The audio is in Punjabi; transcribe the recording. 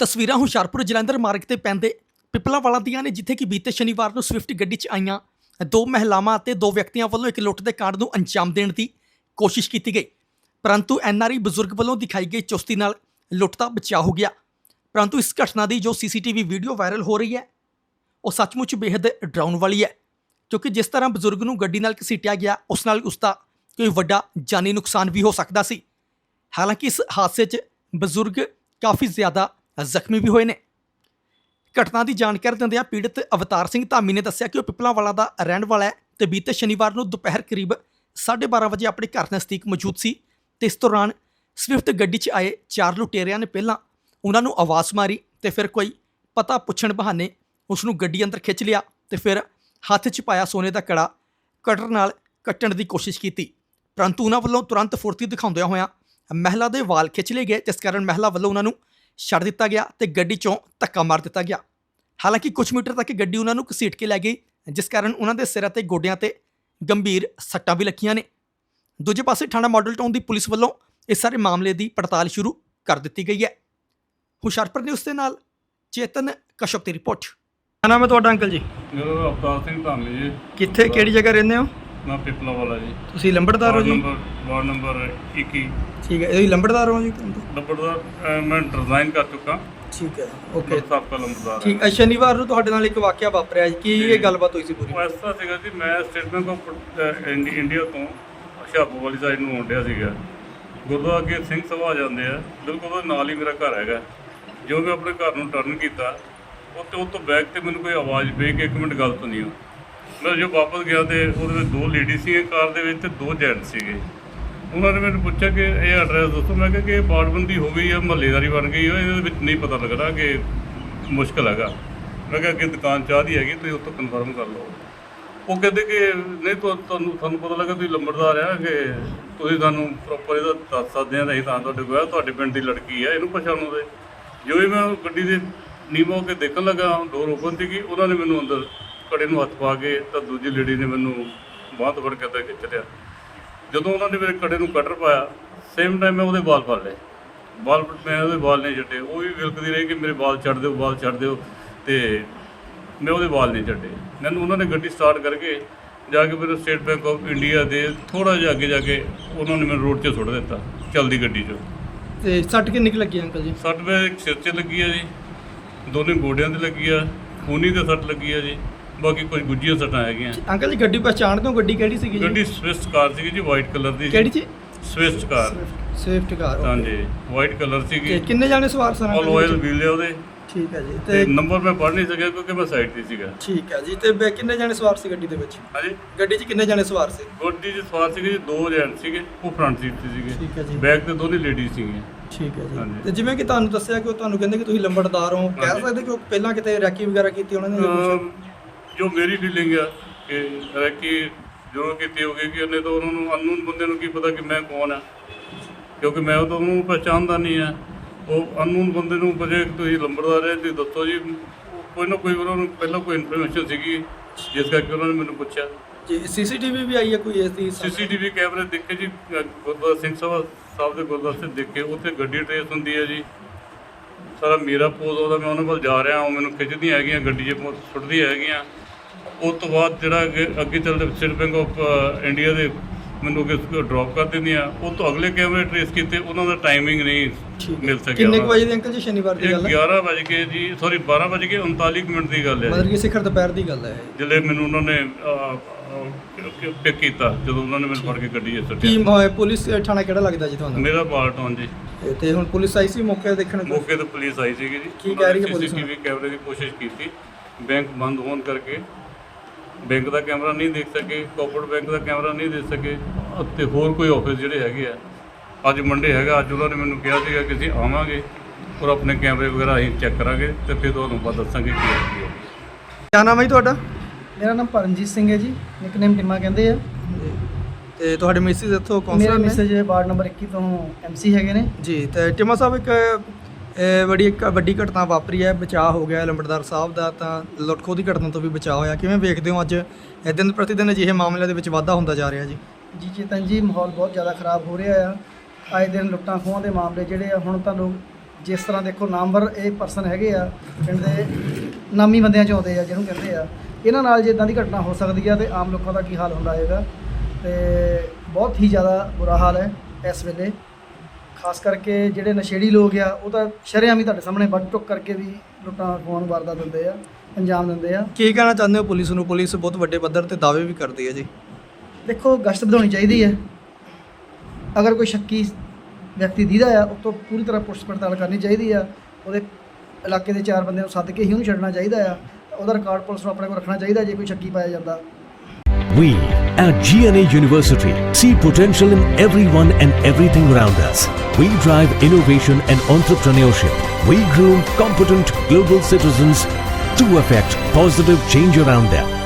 ਤਸਵੀਰਾਂ ਹੁਸ਼ਿਆਰਪੁਰ ਜਲੰਧਰ ਮਾਰਗ ਤੇ ਪੈਂਦੇ ਪਿਪਲਾਵਾਲਾ ਦੀਆਂ ਨੇ, ਜਿੱਥੇ ਕਿ ਬੀਤੇ ਸ਼ਨੀਵਾਰ ਨੂੰ ਸਵਿਫਟ ਗੱਡੀ 'ਚ ਆਈਆਂ ਦੋ ਮਹਿਲਾਵਾਂ ਅਤੇ ਦੋ ਵਿਅਕਤੀਆਂ ਵੱਲੋਂ ਇੱਕ ਲੁੱਟ ਦੇ ਕਾਂਡ ਨੂੰ ਅੰਜਾਮ ਦੇਣ ਦੀ ਕੋਸ਼ਿਸ਼ ਕੀਤੀ ਗਈ। ਪਰੰਤੂ ਐਨਆਰਆਈ ਬਜ਼ੁਰਗ ਵੱਲੋਂ ਦਿਖਾਈ ਗਈ ਚੁਸਤੀ ਨਾਲ ਲੁੱਟ ਦਾ ਬਚਾਅ ਹੋ ਗਿਆ। ਪਰੰਤੂ ਇਸ ਘਟਨਾ ਦੀ ਜੋ ਸੀਸੀਟੀਵੀ ਵੀਡੀਓ ਵਾਇਰਲ ਹੋ ਰਹੀ ਹੈ ਉਹ ਸੱਚਮੁੱਚ ਬੇहद ਡਰਾਉਣ ਵਾਲੀ ਹੈ, ਕਿਉਂਕਿ ਜਿਸ ਤਰ੍ਹਾਂ ਬਜ਼ੁਰਗ ਨੂੰ ਗੱਡੀ ਨਾਲ ਘਸੀਟਿਆ ਗਿਆ ਉਸ ਨਾਲ ਉਸਦਾ ਕੋਈ ਵੱਡਾ ਜਾਨੀ ਨੁਕਸਾਨ ਵੀ ਹੋ ਸਕਦਾ ਸੀ। ਹਾਲਾਂਕਿ ਇਸ ਹਾਦਸੇ 'ਚ ਬਜ਼ੁਰਗ ਕਾਫੀ ਜ਼ਿਆਦਾ ਜ਼ਖਮੀ ਵੀ ਹੋਏ ਨੇ। ਘਟਨਾ ਦੀ ਜਾਣਕਾਰੀ ਦਿੰਦਿਆਂ ਪੀੜਤ ਅਵਤਾਰ ਸਿੰਘ ਧਾਮੀ ਨੇ ਦੱਸਿਆ ਕਿ ਉਹ ਪਿਪਲਾਵਾਲਾ ਦਾ ਰਹਿਣ ਵਾਲਾ ਹੈ ਤੇ ਬੀਤੇ ਸ਼ਨੀਵਾਰ ਨੂੰ ਦੁਪਹਿਰ ਕਰੀਬ 12:30 ਵਜੇ ਆਪਣੇ ਘਰ ਨਜ਼ਦੀਕ ਮੌਜੂਦ ਸੀ ਤੇ ਇਸ ਦੌਰਾਨ ਸਵਿਫਟ ਗੱਡੀ 'ਚ ਆਏ ਚਾਰ ਲੁਟੇਰਿਆਂ ਨੇ ਪਹਿਲਾਂ ਉਹਨਾਂ ਨੂੰ ਆਵਾਜ਼ ਮਾਰੀ ਤੇ ਫਿਰ ਕੋਈ ਪਤਾ ਪੁੱਛਣ ਬਹਾਨੇ ਉਸ ਨੂੰ ਗੱਡੀ ਅੰਦਰ ਖਿੱਚ ਲਿਆ ਤੇ ਫਿਰ ਹੱਥ 'ਚ ਪਾਇਆ ਸੋਨੇ ਦਾ ਕੜਾ ਕਟਰ ਨਾਲ ਕੱਟਣ ਦੀ ਕੋਸ਼ਿਸ਼ ਕੀਤੀ। ਪਰੰਤੂ ਉਹਨਾਂ ਵੱਲੋਂ ਤੁਰੰਤ ਫੁਰਤੀ ਦਿਖਾਉਂਦਿਆਂ ਹੋਇਆਂ ਮਹਿਲਾ ਦੇ ਵਾਲ ਖਿੱਚ ਲਏ ਗਏ, ਜਿਸ ਕਾਰਨ ਮਹਿਲਾ ਵੱਲੋਂ ਉਹਨਾਂ ਨੂੰ ਛੱਡ ਦਿੱਤਾ ਗਿਆ ਤੇ ਗੱਡੀ 'ਚੋਂ ਧੱਕਾ ਮਾਰ ਦਿੱਤਾ ਗਿਆ। ਹਾਲਾਂਕਿ ਕੁਝ ਮੀਟਰ ਤੱਕ ਗੱਡੀ ਉਹਨਾਂ ਨੂੰ ਘਸੀਟ ਕੇ ਲੈ ਗਈ, ਜਿਸ ਕਾਰਨ ਉਹਨਾਂ ਦੇ ਸਿਰ ਅਤੇ ਗੋਡਿਆਂ ਤੇ ਗੰਭੀਰ ਸੱਟਾਂ ਵੀ ਲੱਗੀਆਂ ਨੇ। ਦੂਜੇ ਪਾਸੇ ਥਾਣਾ ਮਾਡਲ ਟਾਊਨ ਦੀ ਪੁਲਿਸ ਵੱਲੋਂ ਇਸ ਸਾਰੇ ਮਾਮਲੇ ਦੀ ਪੜਤਾਲ ਸ਼ੁਰੂ ਕਰ ਦਿੱਤੀ ਗਈ ਹੈ। ਹੁਸ਼ਿਆਰਪੁਰ ਨਿਊਜ਼ ਦੇ ਨਾਲ ਚੇਤਨ ਕਸ਼ਪ ਦੀ ਰਿਪੋਰਟ। ਕੀ ਨਾਮ ਹੈ ਤੁਹਾਡਾ ਅੰਕਲ ਜੀ? ਮੇਰਾ ਨਾਮ ਅਵਤਾਰ ਸਿੰਘ ਧਾਮੀ ਜੀ। ਕਿੱਥੇ ਕਿਹੜੀ ਜਗ੍ਹਾ ਰਹਿੰਦੇ ਹੋ? ਮੈਂ ਪਿਪਲਾਵਾਲਾ ਜੀ। ਤੁਸੀਂ ਲੰਬੜਦਾਰ ਹੋ ਜੀ? Ward number 21। ਠੀਕ ਹੈ, ਇਹ ਲੰਬੜਦਾਰ ਹੋ ਜੀ? ਲੰਬੜਦਾਰ ਮੈਂ ਡਿਜ਼ਾਈਨ ਕਰ ਚੁੱਕਾ। ਠੀਕ ਹੈ, ਓਕੇ, ਸਾਬਕਾ ਲੰਬੜਦਾਰ। ਠੀਕ ਹੈ। ਸ਼ਨੀਵਾਰ ਨੂੰ ਤੁਹਾਡੇ ਨਾਲ ਇੱਕ ਵਾਕਿਆ ਵਾਪਰਿਆ ਜੀ, ਕੀ ਇਹ ਗੱਲਬਾਤ ਹੋਈ ਸੀ ਪੂਰੀ? ਉਹ ਇਸ ਤਰ੍ਹਾਂ ਸੀਗਾ ਜੀ, ਮੈਂ ਸਟੇਟ ਬੈਂਕ ਆਫ ਇੰਡੀਆ ਤੋਂ ਹੁਸ਼ਿਆਰਪੁਰ ਵਾਲੀ ਸਾਈਡ ਨੂੰ ਆਉਂਦਿਆ ਸੀਗਾ। ਗੁਰਦੁਆਰਾ ਅੱਗੇ ਸਿੰਘ ਸਭਾ ਆ ਜਾਂਦੇ ਆ, ਬਿਲਕੁਲ ਉਹਦੇ ਨਾਲ ਹੀ ਮੇਰਾ ਘਰ ਹੈਗਾ। ਜੋ ਮੈਂ ਆਪਣੇ ਘਰ ਨੂੰ ਟਰਨ ਕੀਤਾ ਉਹ ਤੋਂ ਬੈਕ ਤੇ ਮੈਨੂੰ ਕੋਈ ਆਵਾਜ਼ ਪਈ ਕਿ 1 ਮਿੰਟ ਗੱਲ ਸੁਣੀਓ। ਮੈਂ ਜੋ ਵਾਪਸ ਗਿਆ ਤੇ ਉਹਦੇ ਵਿੱਚ 2 ਲੇਡੀ ਸੀਗੇ ਕਾਰ ਦੇ ਵਿੱਚ ਤੇ 2 ਜੈਂਟ ਸੀਗੇ। ਉਹਨਾਂ ਨੇ ਮੈਨੂੰ ਪੁੱਛਿਆ ਕਿ ਇਹ ਐਡਰੈਸ ਦੱਸੋ। ਮੈਂ ਕਿਹਾ ਕਿ ਇਹ ਬਾੜਬੰਦੀ ਹੋ ਗਈ ਆ, ਮਹੱਲੇਦਾਰੀ ਬਣ ਗਈ ਆ, ਇਹਦੇ ਵਿੱਚ ਨਹੀਂ ਪਤਾ ਲੱਗਦਾ ਕਿ ਮੁਸ਼ਕਿਲ ਹੈਗਾ। ਮੈਂ ਕਿਹਾ ਅੱਗੇ ਦੁਕਾਨ ਚਾਹ ਦੀ ਹੈਗੀ, ਤੁਸੀਂ ਉੱਥੋਂ ਕਨਫਰਮ ਕਰ ਲਓ। ਉਹ ਕਹਿੰਦੇ ਕਿ ਨਹੀਂ ਤੁਹਾਨੂੰ ਪਤਾ ਲੱਗਾ ਤੁਸੀਂ ਲੰਬੜਦਾਰ ਆ, ਕਿ ਤੁਸੀਂ ਸਾਨੂੰ ਪ੍ਰੋਪਰ ਇਹਦਾ ਦੱਸ ਸਕਦੇ ਆ, ਅਸੀਂ ਤਾਂ ਤੁਹਾਡੇ ਕੋਲ ਤੁਹਾਡੇ ਪਿੰਡ ਦੀ ਲੜਕੀ ਆ, ਇਹਨੂੰ ਪਛਾਣੋ ਦੇ। ਜੋ ਹੀ ਮੈਂ ਗੱਡੀ ਦੇ ਨੀਵਾਂ ਹੋ ਕੇ ਦੇਖਣ ਲੱਗਾ, ਡੋਰ ਓਪਨ ਸੀਗੀ, ਉਹਨਾਂ ਨੇ ਮੈਨੂੰ ਅੰਦਰ ਕੜੇ ਨੂੰ ਹੱਥ ਪਾ ਕੇ ਤਾਂ ਦੂਜੀ ਲੇਡੀ ਨੇ ਮੈਨੂੰ ਬਾਂਹ ਤੋਂ ਫੜ ਕੇ ਅੰਦਰ ਖਿੱਚ ਲਿਆ। ਜਦੋਂ ਉਹਨਾਂ ਨੇ ਮੇਰੇ ਕੜੇ ਨੂੰ ਕਟਰ ਪਾਇਆ, ਸੇਮ ਟਾਈਮ ਮੈਂ ਉਹਦੇ ਵਾਲ ਫੜ ਲਏ। ਮੈਂ ਉਹਦੇ ਵਾਲ ਨਹੀਂ ਛੱਡੇ। ਉਹ ਵੀ ਵਿਲਕਦੀ ਰਹੀ ਕਿ ਮੇਰੇ ਵਾਲ ਛੱਡ ਦਿਓ, ਵਾਲ ਛੱਡ ਦਿਓ, ਅਤੇ ਮੈਂ ਉਹਦੇ ਵਾਲ ਨਹੀਂ ਛੱਡੇ। ਮੈਨੂੰ ਉਹਨਾਂ ਨੇ ਗੱਡੀ ਸਟਾਰਟ ਕਰਕੇ ਜਾ ਕੇ ਮੈਨੂੰ ਸਟੇਟ ਬੈਂਕ ਆਫ ਇੰਡੀਆ ਦੇ ਥੋੜ੍ਹਾ ਜਿਹਾ ਅੱਗੇ ਜਾ ਕੇ ਉਹਨਾਂ ਨੇ ਮੈਨੂੰ ਰੋਡ 'ਚ ਸੁੱਟ ਦਿੱਤਾ, ਚੱਲਦੀ ਗੱਡੀ 'ਚੋਂ। ਤੇ ਸੱਟ ਕਿੰਨੀ ਕੁ ਲੱਗੀ ਅੰਕਲ ਜੀ? ਸੱਟ ਮੇਰੇ ਇੱਕ ਸਿਰ 'ਚ ਲੱਗੀ ਆ ਜੀ, ਦੋਨੇ ਗੋਡਿਆਂ 'ਤੇ ਲੱਗੀ ਆ, ਖੂਨੀ 'ਤੇ ਸੱਟ ਲੱਗੀ ਆ ਜੀ, ਬਾਕੀ ਕੁਝ ਗੁੱਝੀਆਂ ਸੱਟਾਂ ਹੈਗੀਆਂ। ਅੰਕਲ ਜੀ ਗੱਡੀ ਪਛਾਣਦੇ ਹੋ? ਗੱਡੀ ਕਿਹੜੀ ਸੀਗੀ ਜੀ? ਗੱਡੀ ਸਵਿਫਟ ਕਾਰ ਸੀਗੀ ਜੀ, ਵਾਈਟ ਕਲਰ ਦੀ। ਕਿਹੜੀ ਜੀ? Swift car. ਸਵਿਫਟ ਕਾਰ, ਹਾਂਜੀ, ਵਾਈਟ ਕਲਰ ਸੀਗੀ। ਕਿੰਨੇ ਜਾਣੇ ਸਵਾਰ ਸਨ? ਆਲ ਆਇਲ ਵੀਲ ਉਹਦੇ। ਠੀਕ ਹੈ ਜੀ। ਤੇ ਨੰਬਰ ਮੈਂ ਪੜ੍ਹ ਨਹੀਂ ਸਕਿਆ ਕਿਉਂਕਿ ਮੈਂ ਸਾਈਡ 'ਤੇ ਸੀਗਾ। ਠੀਕ ਹੈ ਜੀ। ਤੇ ਕਿੰਨੇ ਜਾਣੇ ਸਵਾਰ ਸੀ ਗੱਡੀ ਦੇ ਵਿੱਚ? ਹਾਂਜੀ, ਗੱਡੀ 'ਚ ਕਿੰਨੇ ਜਾਣੇ ਸਵਾਰ ਸੀ? ਗੱਡੀ 'ਚ ਸਵਾਰ ਸੀਗੇ ਜੀ 2 ਜੈਂਟ ਸੀਗੇ, ਉਹ ਫਰੰਟ ਸੀਟ 'ਤੇ ਸੀਗੇ। ਠੀਕ ਹੈ ਜੀ। ਬੈਕ 'ਤੇ ਦੋਨੇ ਲੇਡੀਜ਼ ਸੀਗੀਆਂ। ਠੀਕ ਹੈ ਜੀ। ਹਾਂਜੀ। ਤੇ ਜਿਵੇਂ ਕਿ ਤੁਹਾਨੂੰ ਦੱਸਿਆ ਕਿ ਉਹ ਤੁਹਾਨੂੰ ਕਹਿੰਦੇ ਕਿ ਤੁਸੀਂ ਲੰਬੜਦਾਰ ਹੋ, ਕਹਿ ਸਕਦੇ ਕਿ ਉਹ ਪਹਿਲਾਂ ਕਿਤੇ ਰੈਕੀ ਵਗੈਰਾ ਕੀਤੀ ਉਹਨਾਂ ਨੇ? ਜੋ ਮੇਰੀ ਫੀਲਿੰਗ ਆ ਕਿ ਰੈਕੀ ਜੋ ਕੀਤੀ ਹੋਗੀ ਕਿ ਉਹਨੇ ਤਾਂ ਉਹਨਾਂ ਨੂੰ ਅਨਨੋਨ ਬੰਦੇ ਨੂੰ ਕੀ ਪਤਾ ਕਿ ਮੈਂ ਕੌਣ ਆ, ਕਿਉਂਕਿ ਮੈਂ ਤਾਂ ਉਹਨੂੰ ਪਹਿਚਾਣਦਾ ਨਹੀਂ ਆ। ਉਹ ਅਨਨੋਨ ਬੰਦੇ ਨੂੰ ਪੁੱਛੇ ਤੁਸੀਂ ਲੰਬੜਦਾਰ ਹੈ, ਤੁਸੀਂ ਦੱਸੋ ਜੀ। ਕੋਈ ਨਾ ਕੋਈ ਉਹਨਾਂ ਨੂੰ ਪਹਿਲਾਂ ਕੋਈ ਇਨਫੋਰਮੇਸ਼ਨ ਸੀਗੀ, ਜਿਸ ਕਰਕੇ ਉਹਨਾਂ ਨੇ ਮੈਨੂੰ ਪੁੱਛਿਆ ਜੀ। ਸੀਸੀਟੀਵੀ ਵੀ ਆਈ ਹੈ ਕੋਈ ਇਸ ਦੀ? ਸੀਸੀਟੀਵੀ ਕੈਮਰੇ ਦੇਖੇ ਜੀ, ਗੁਰਦੁਆਰਾ ਸਿੰਘ ਸਭਾ ਸਾਹਿਬ ਦੇ ਗੁਰਦੁਆਰੇ 'ਤੇ ਦੇਖੇ, ਉੱਥੇ ਗੱਡੀ ਟਰੇਸ ਹੁੰਦੀ ਹੈ ਜੀ। ਸਾਰਾ ਮੇਰਾ ਪੋਜ਼ ਉਹਦਾ, ਮੈਂ ਉਹਨਾਂ ਕੋਲ ਜਾ ਰਿਹਾ, ਉਹ ਮੈਨੂੰ ਖਿੱਚਦੀਆਂ ਹੈਗੀਆਂ, ਗੱਡੀ 'ਚ ਸੁੱਟਦੀਆਂ ਹੈਗੀਆਂ। ਉਸ ਤੋਂ ਬਾਅਦ ਜਿਹੜਾ ਅੱਗੇ ਚੱਲਦੇ ਸਟੇਟ ਬੈਂਕ ਆਫ ਇੰਡੀਆ ਦੇ ਮੈਨੂੰ ਅੱਗੇ ਡਰੋਪ ਕਰ ਦਿੰਦੀਆਂ। ਉਹ ਤੋਂ ਅਗਲੇ ਕੈਮਰੇ ਟਰੇਸ ਕੀਤੇ, ਉਹਨਾਂ ਦਾ ਟਾਈਮਿੰਗ ਨਹੀਂ ਮਿਲ ਸਕਿਆ। ਕਿੰਨੇ ਕੁ ਵਜੇ ਦੀ ਅੰਕਲ ਜੀ ਸ਼ਨੀਵਾਰ ਦੀ ਗੱਲ ਹੈ? 12:40 ਦੀ ਗੱਲ ਹੈ। ਮਤਲਬ ਕਿ ਸਿਖਰ ਦੁਪਹਿਰ ਦੀ ਗੱਲ ਹੈ ਜਿਹੜੇ ਮੈਨੂੰ ਉਹਨਾਂ ਨੇ ਪਿਕ ਕੀਤਾ, ਜਦੋਂ ਉਹਨਾਂ ਨੇ ਮੈਨੂੰ ਫੜ ਕੇ ਗੱਡੀ 'ਚ ਸੁੱਟਿਆ। ਕੀ ਪੁਲਿਸ ਥਾਣਾ ਕਿਹੜਾ ਲੱਗਦਾ ਜੀ ਤੁਹਾਨੂੰ? ਮੇਰਾ ਪਾਰਟਨ ਜੀ। ਤੇ ਹੁਣ ਪੁਲਿਸ ਆਈ ਸੀ ਮੌਕੇ ਦੇਖਣ? ਮੌਕੇ ਤੇ ਪੁਲਿਸ ਆਈ ਸੀਗੀ ਜੀ। ਕੀ ਕਹਿ ਰਹੀ ਹੈ ਪੁਲਿਸ? ਸੀਸੀਟੀਵੀ ਕੈਮਰੇ ਦੀ ਕੋਸ਼ਿਸ਼ ਕੀਤੀ, ਬੈਂਕ ਬੰਦ ਹੋਣ ਕਰਕੇ ਬੈਂਕ ਦਾ ਕੈਮਰਾ ਨਹੀਂ ਦੇਖ ਸਕੇ, ਕੋਆਪਰੇਟਿਵ ਬੈਂਕ ਦਾ ਕੈਮਰਾ ਨਹੀਂ ਦੇਖ ਸਕੇ, ਅਤੇ ਹੋਰ ਕੋਈ ਆਫਿਸ ਜਿਹੜੇ ਹੈਗੇ ਆ। ਅੱਜ ਮੰਡੇ ਹੈਗਾ, ਅੱਜ ਉਹਨਾਂ ਨੇ ਮੈਨੂੰ ਕਿਹਾ ਸੀਗਾ ਕਿ ਅਸੀਂ ਆਵਾਂਗੇ ਔਰ ਆਪਣੇ ਕੈਮਰੇ ਵਗੈਰਾ ਅਸੀਂ ਚੈੱਕ ਕਰਾਂਗੇ ਤੇ ਫਿਰ ਤੁਹਾਨੂੰ ਬਾਅਦ ਦੱਸਾਂਗੇ ਕੀ ਹੈ। ਕੀ ਨਾਮ ਹੈ ਜੀ ਤੁਹਾਡਾ? ਮੇਰਾ ਨਾਮ ਪਰਮਜੀਤ ਸਿੰਘ ਹੈ ਜੀ, ਨਿਕਨੇਮ ਟਿਮਾ ਕਹਿੰਦੇ ਆ। ਤੇ ਤੁਹਾਡੇ ਮਿਸਿਸ ਇੱਥੋਂ ਮੇਰੇ ਕੌਂਸਲਰ ਨੇ? ਮਿਸੇਜ ਵਾਰਡ ਨੰਬਰ 21 ਤੋਂ ਐਮਸੀ ਹੈਗੇ ਨੇ ਜੀ। ਤੇ ਟਿਮਾ ਸਾਹਿਬ, ਇੱਕ ਵੱਡੀ ਘਟਨਾ ਵਾਪਰੀ ਹੈ, ਬਚਾਅ ਹੋ ਗਿਆ ਲੰਬੜਦਾਰ ਸਾਹਿਬ ਦਾ, ਤਾਂ ਲੁੱਟਖੋ ਦੀ ਘਟਨਾ ਤੋਂ ਵੀ ਬਚਾਅ ਹੋਇਆ। ਕਿਵੇਂ ਵੇਖਦੇ ਹੋ ਅੱਜ ਦਿਨ ਪ੍ਰਤੀ ਦਿਨ ਅਜਿਹੇ ਮਾਮਲਿਆਂ ਦੇ ਵਿੱਚ ਵਾਧਾ ਹੁੰਦਾ ਜਾ ਰਿਹਾ ਜੀ? ਜੀ ਚੇਤਨ ਜੀ, ਮਾਹੌਲ ਬਹੁਤ ਜ਼ਿਆਦਾ ਖਰਾਬ ਹੋ ਰਿਹਾ ਆ। ਆਏ ਦਿਨ ਲੁੱਟਾਂ ਖੋਹਾਂ ਦੇ ਮਾਮਲੇ ਜਿਹੜੇ ਆ, ਹੁਣ ਤਾਂ ਲੋਕ ਜਿਸ ਤਰ੍ਹਾਂ ਦੇਖੋ ਨਾਮਵਰ ਇਹ ਪਰਸਨ ਹੈਗੇ ਆ, ਪਿੰਡ ਦੇ ਨਾਮੀ ਬੰਦਿਆਂ 'ਚ ਆਉਂਦੇ ਆ ਜਿਹਨੂੰ ਕਹਿੰਦੇ ਆ। ਇਹਨਾਂ ਨਾਲ ਜੇ ਇੱਦਾਂ ਦੀ ਘਟਨਾ ਹੋ ਸਕਦੀ ਆ ਤੇ ਆਮ ਲੋਕਾਂ ਦਾ ਕੀ ਹਾਲ ਹੁੰਦਾ ਹੋਏਗਾ। ਤੇ ਬਹੁਤ ਹੀ ਜ਼ਿਆਦਾ ਬੁਰਾ ਹਾਲ ਹੈ ਇਸ ਵੇਲੇ। ਖਾਸ ਕਰਕੇ ਜਿਹੜੇ ਨਸ਼ੇੜੀ ਲੋਕ ਆ ਉਹ ਤਾਂ ਸ਼ਰੇਆਮ ਹੀ ਤੁਹਾਡੇ ਸਾਹਮਣੇ ਵੱਢ ਟੁੱਕ ਕਰਕੇ ਵੀ ਲੁੱਟਾਂ ਖੋਹਣ ਵਾਰਦਾਤ ਦਿੰਦੇ ਆ, ਅੰਜਾਮ ਦਿੰਦੇ ਆ। ਕੀ ਕਹਿਣਾ ਚਾਹੁੰਦੇ ਹੋ ਪੁਲਿਸ ਨੂੰ? ਪੁਲਿਸ ਬਹੁਤ ਵੱਡੇ ਪੱਧਰ ਤੇ ਦਾਅਵੇ ਵੀ ਕਰਦੀ ਹੈ ਜੀ। ਦੇਖੋ ਗਸ਼ਤ ਵਧਾਉਣੀ ਚਾਹੀਦੀ ਹੈ। ਅਗਰ ਕੋਈ ਸ਼ੱਕੀ ਵਿਅਕਤੀ ਦੀਦਾ ਆ ਉਹ ਤੋਂ ਪੂਰੀ ਤਰ੍ਹਾਂ ਪੁੱਛ ਪੜਤਾਲ ਕਰਨੀ ਚਾਹੀਦੀ ਆ। ਉਹਦੇ ਇਲਾਕੇ ਦੇ 4 ਬੰਦਿਆਂ ਨੂੰ ਸੱਦ ਕੇ ਹੀ ਉਹਨੂੰ ਛੱਡਣਾ ਚਾਹੀਦਾ ਆ। ਉਹਦਾ ਰਿਕਾਰਡ ਪੁਲਿਸ ਨੂੰ ਆਪਣੇ ਕੋਲ ਰੱਖਣਾ ਚਾਹੀਦਾ ਜੇ ਕੋਈ ਸ਼ੱਕੀ ਪਾਇਆ ਜਾਂਦਾ। We at GNA University see potential in everyone and everything around us. We drive innovation and entrepreneurship. We groom competent global citizens to affect positive change around them.